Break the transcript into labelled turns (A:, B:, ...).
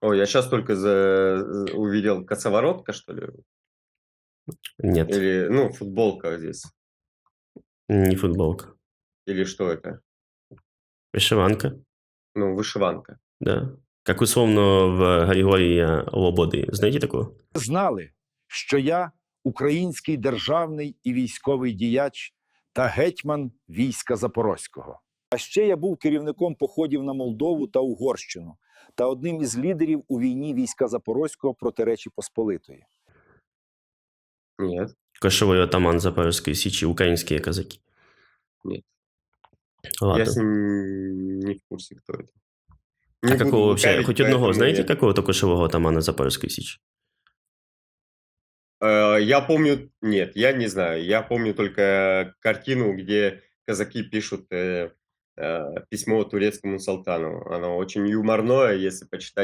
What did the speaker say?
A: Ой, я сейчас только увидел косоворотка, что ли?
B: Нет,
A: Или, ну, футболка здесь.
B: не футболка.
A: Или что это?
B: Вишиванка,
A: Ну, вышиванка.
B: да. Как условно в Григорія Лободи. Знаєте такого?
C: Знали, що я український державний і військовий діяч та гетьман війська Запорозького. А ще я був керівником походів на Молдову та Угорщину та одним із лідерів у війні війська Запорозького проти Речі Посполитої.
A: Нет,
B: Кошовий отаман Запорізької Січі, українські козаки.
A: нет. Я
B: Ладно.
A: с ним не в курсе, кто это.
B: А
A: Не буду
B: какого вообще?
A: лукавить,
B: Хоть одного
A: поэтому
B: знаете,
A: нет.
B: какого-то кошового атамана Запорізької Січі?
A: Я помню, нет, я не знаю. Я помню только картину, где казаки пишут письмо турецкому султану. Оно очень юморное, если почитать